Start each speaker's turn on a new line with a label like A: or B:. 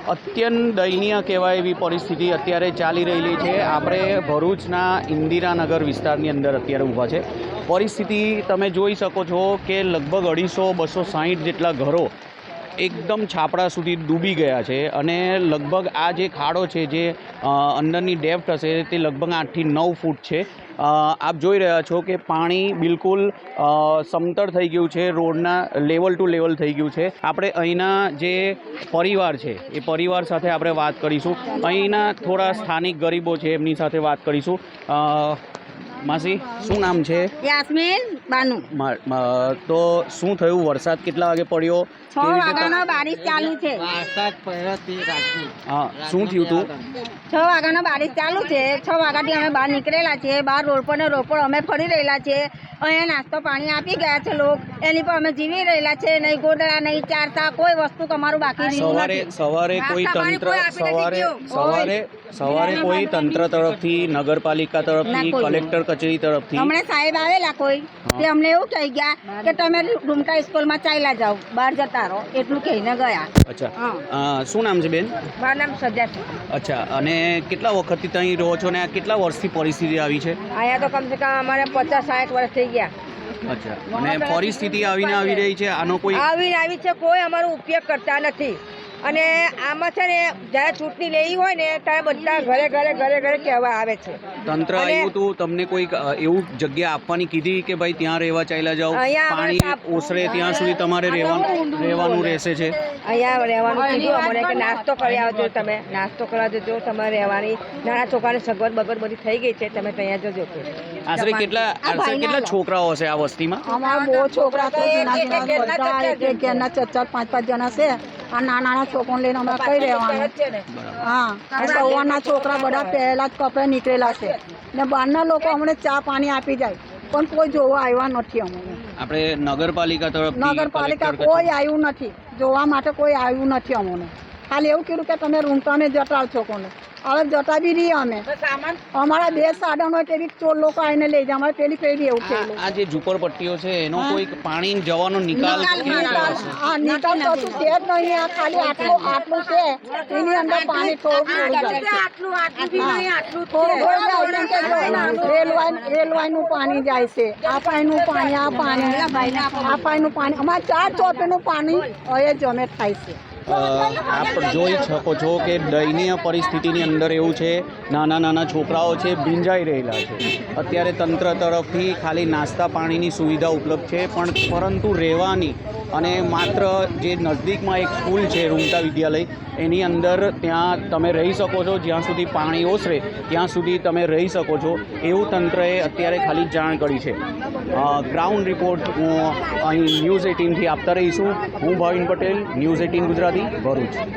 A: અત્યંત દયનીય કહેવાય એવી પરિસ્થિતિ અત્યારે ચાલી રહેલી છે। આપણે ભરૂચના ઇન્દિરાનગર વિસ્તારની અંદર અત્યારે ઊભા છે। પરિસ્થિતિ તમે જોઈ શકો છો કે લગભગ 250-260 જેટલા ઘરો એકદમ છાપડા સુધી ડૂબી ગયા છે અને લગભગ આ જે ખાડો છે જે અંદરની ડેપ્થ હશે તે લગભગ 8 થી 9 ફૂટ છે। આપ જોઈ રહ્યા છો કે પાણી બિલકુલ સમતળ થઈ ગયું છે, રોડના લેવલ ટુ લેવલ થઈ ગયું છે। આપણે અહીંના જે પરિવાર છે એ પરિવાર સાથે આપણે વાત કરીશું। અહીંના થોડા સ્થાનિક ગરીબો છે એમની સાથે વાત કરીશું। માસી, શું નામ છે?
B: યાસ્મીન બાનુ।
A: તો શું થયું? વરસાદ કેટલા વાગે પડ્યો?
B: 6 વાગ્યાનો બારિશ ચાલુ છે।
A: હા, શું થયું તું?
B: 6 વાગ્યાનો બારિશ ચાલુ છે। 6 વાગ્યાથી અમે બહાર નીકળેલા છીએ। બહાર રોડ પર ને રોડ પર અમે ફરી રહેલા છીએ। અહીંયા નાસ્તો પાણી આપી ગયા છે લોક, એની પર અમે જીવી રહેલા છે। નહીં ગોદડા, નહીં ચારતા, કોઈ વસ્તુ તમારું બાકી રહ્યું નથી।
A: સવારે કોઈ તંત્ર સવારે કોઈ તંત્ર તરફથી, નગરપાલિકા તરફથી, કલેક્ટર કચેરી તરફથી
B: હમણાં સાહેબ આવેલા કોઈ, તે અમને એવું કહી ગયા કે તમે રૂમટા સ્કૂલમાં ચાલ્યા જાઓ, બહાર જતા રહો, એટલું કહીને ગયા।
A: અચ્છા, શું નામ છે બેન?
B: મારું નામ સજા છે।
A: અચ્છા, અને કેટલા વખતથી ત્યાં રહો છો ને આ કેટલા વર્ષથી પરિસ્થિતિ આવી છે?
B: અહીંયા તો કમસે કમ અમારે 50-60 વર્ષ થઈ ગયા।
A: અચ્છા, અને પરિસ્થિતિ આવીને આવી રહી છે, આનો કોઈ
B: આવી છે, કોઈ અમારો ઉપયોગ કરતા નથી। અને આમાં છે ને જ્યારે ચૂંટણી લેવી હોય ને ત્યારે બધા ઘરે કહેવા આવે છે।
A: તંત્ર આવ્યું હતું, તમને કોઈ એવું જગ્યા આપવાની કીધી કે ભાઈ ત્યાં રહેવા ચાલ્યા જાઓ, પાણી ઓસરે ત્યાં સુધી તમારે રહેવાનું રહેશે છે?
B: અહીંયા રહેવાનું કીધું અમને કે નાસ્તો કરી આવજો, તમે નાસ્તો કરવા જજો, તમારે રહેવાની નાના છોકરાની સગવડ બગડ બધી થઈ ગઈ છે, તમે ત્યાં જજો।
A: આશરે કેટલા છોકરાઓ હશે આ વસ્તીમાં?
B: અમારા બહુ છોકરા છે, 4-5 જણા છે। આ નાના છોકરાને લઈને અમે કઈ રહેવાનું? હા, સવારના છોકરા બધા પહેલા જ કપડે નીકળેલા છે ને બહારના લોકો અમને ચા પાણી આપી જાય, પણ કોઈ જોવા આવ્યા નથી અમને।
A: આપણે નગરપાલિકા
B: કોઈ આવ્યું નથી, જોવા માટે કોઈ આવ્યું નથી અમને। ખાલી એવું કીધું કે તમે રૂમટાને જટાવ છો કોને, હવે જતા બી રહીએ અમે। અમારા 2 સાધનો તેવી ચોર લોકો આવીને લઈ જાય, અમારે પેલી પેઢી એવું છે।
A: આ જે ઝૂંપડપટ્ટીઓ છે એનો કોઈ પાણી જવાનો નિકાલ
B: નિકાલ કશું છે જ નહીં। આ ખાલી આટલું છે, એની અંદર પાણી થોડું રેલવાયનું પાણી જાય છે। આ પાણીનું પાણી અમારે 4 ચોપેનું પાણી હવે જમે થાય છે।
A: આપ જોઈ શકો છો કે દયનીય પરિસ્થિતિની અંદર એવું છે, નાના છોકરાઓ છે ભીંજાઈ રહેલા છે। અત્યારે તંત્ર તરફથી ખાલી નાસ્તા પાણીની સુવિધા ઉપલબ્ધ છે, પરંતુ રહેવાની અને માત્ર જે નજદીકમાં એક સ્કૂલ છે રૂમટા વિદ્યાલય, એની અંદર ત્યાં તમે રહી શકો છો, જ્યાં સુધી પાણી ઓસરે ત્યાં સુધી તમે રહી શકો છો, એવું તંત્રએ અત્યારે ખાલી જાણ કરી છે। ગ્રાઉન્ડ રિપોર્ટ હું અહીં ન્યૂઝ 18થી આપતા રહીશું। હું ભાવિન પટેલ, ન્યૂઝ 18 ગુજરાતી, ભરૂચ।